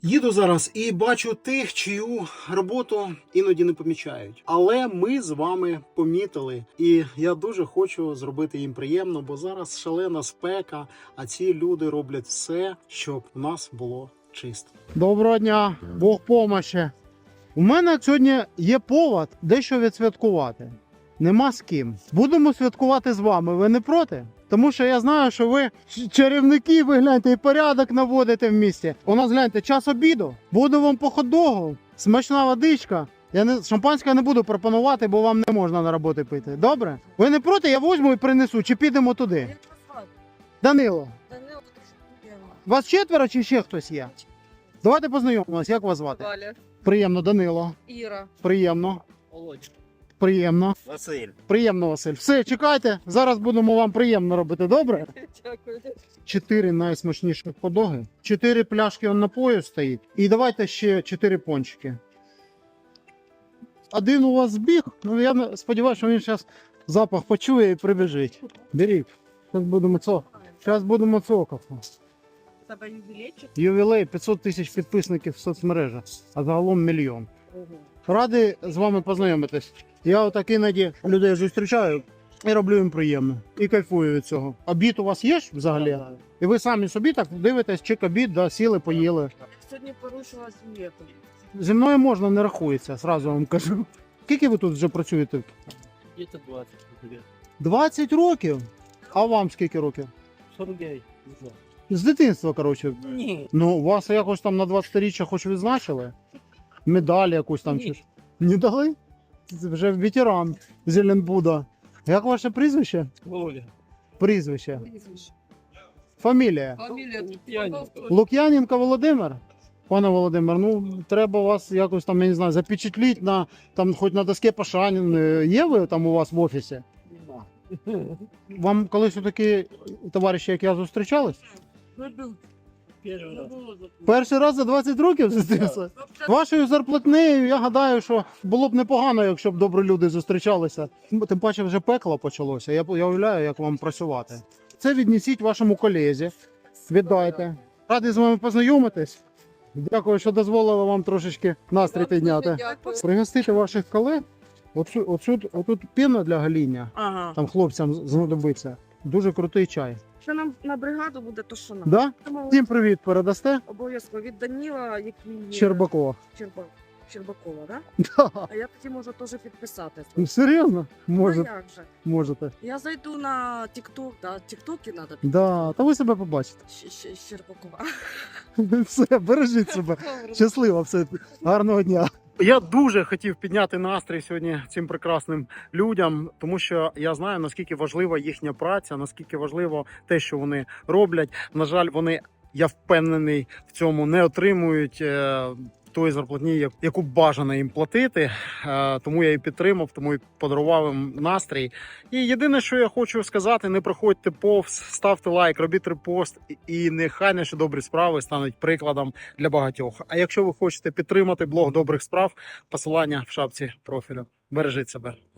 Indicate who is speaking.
Speaker 1: Їду зараз і бачу тих, чию роботу іноді не помічають. Але ми з вами помітили. І я дуже хочу зробити їм приємно, бо зараз шалена спека, а ці люди роблять все, щоб у нас було чисто. Доброго дня, Бог помощі. У мене сьогодні є повод дещо відсвяткувати. Нема з ким. Будемо святкувати з вами. Ви не проти? Тому що я знаю, що ви чарівники, ви гляньте, і порядок наводите в місті. У нас, гляньте, час обіду. Буду вам по хот-догу, смачна водичка. Шампанське не буду пропонувати, бо вам не можна на роботі пити. Добре? Ви не проти? Я візьму і принесу. Чи підемо туди?
Speaker 2: Як вас звати?
Speaker 1: Данило.
Speaker 2: Данило, я
Speaker 1: Вас четверо чи ще хтось є? Давайте познайомимося. Як вас звати?
Speaker 2: Валя.
Speaker 1: Приємно, Данило.
Speaker 2: Іра.
Speaker 1: Приємно.
Speaker 3: Володь.
Speaker 1: Приємно.
Speaker 3: Василь.
Speaker 1: Приємно, Василь. Все, чекайте. Зараз будемо вам приємно робити, добре?
Speaker 2: Дякую.
Speaker 1: 4 найсмачніших хот-доги. 4 пляшки он напою стоїть. І давайте ще 4 пончики. Один у вас збіг. Ну я сподіваюся, що він зараз запах почує і прибіжить. Беріть. Зараз будемо цокати.
Speaker 2: Тебе ювілейчик?
Speaker 1: Ювілей 500 тисяч підписників в соцмережах, а загалом 1 мільйон. Радий з вами познайомитись. Я отак іноді людей зустрічаю і роблю їм приємно. І кайфую від цього. Обід у вас є ж взагалі? І ви самі собі так дивитесь, чек обід, да, сіли, поїли.
Speaker 2: Я сьогодні порушила дієту.
Speaker 1: Зі мною можна, не рахується, зразу вам кажу. Скільки ви тут вже працюєте?
Speaker 3: Где-то 20 лет.
Speaker 1: 20 років? А вам скільки років?
Speaker 3: 49, не знаю.
Speaker 1: З дитинства, коротше.
Speaker 3: Ні.
Speaker 1: Ну, вас якось там на 20-річчя хоч відзначили? Медаль якусь там
Speaker 3: Ні.
Speaker 1: чи ж? Не дали? Це вже ветеран Зеленбуда. Як ваше прізвище?
Speaker 3: Володя.
Speaker 1: Прізвище. Фамілія?
Speaker 2: Фамілія
Speaker 3: Лук'яненко.
Speaker 1: Лук'яненко Володимир? Пане Володимир, ну треба вас якось там, я не знаю, запечатліть на там, хоч на доске Пашанін. Є ви там у вас в офісі?
Speaker 3: Нема.
Speaker 1: Вам колись такі товариші, як я, зустрічались?
Speaker 3: Первый раз.
Speaker 1: Перший раз за 20 років зустрівся? Вашою зарплатнею, я гадаю, що було б непогано, якщо б добрі люди зустрічалися. Тим паче вже пекло почалося. Я уявляю, як вам працювати. Це віднесіть вашому колезі. Віддайте. Радий з вами познайомитись. Дякую, що дозволили вам трошечки настрій підняти.
Speaker 2: Дякую.
Speaker 1: Пригостити ваших колег. Отут піна для гоління.
Speaker 2: Ага.
Speaker 1: Там хлопцям знадобиться. Дуже крутий чай.
Speaker 2: Що нам на бригаду буде, то що нам?
Speaker 1: Да?
Speaker 2: Тому
Speaker 1: Всім привіт передасте?
Speaker 2: обов'язково від Даніла, який є
Speaker 1: Щербакова.
Speaker 2: Щербакова, да?
Speaker 1: Да.
Speaker 2: А я тоді можу теж підписати.
Speaker 1: Ну, серйозно?
Speaker 2: Ну,
Speaker 1: Можете.
Speaker 2: як же?
Speaker 1: Можете.
Speaker 2: Я зайду на TikTok, да, тіктоки треба
Speaker 1: Да, та ви себе побачите.
Speaker 2: Щербакова.
Speaker 1: Все, бережіть себе. Щасливо, все. Гарного дня. Я дуже хотів підняти настрій сьогодні цим прекрасним людям, тому що я знаю, наскільки важлива їхня праця, наскільки важливо те, що вони роблять. На жаль, вони, я впевнений, в цьому не отримують тої зарплатні, яку бажано їм платити. Тому я і підтримав, тому і подарував їм настрій. І єдине, що я хочу сказати, не проходьте повз, ставте лайк, робіть репост, і нехай наші добрі справи стануть прикладом для багатьох. А якщо ви хочете підтримати блог добрих справ, посилання в шапці профілю. Бережіть себе.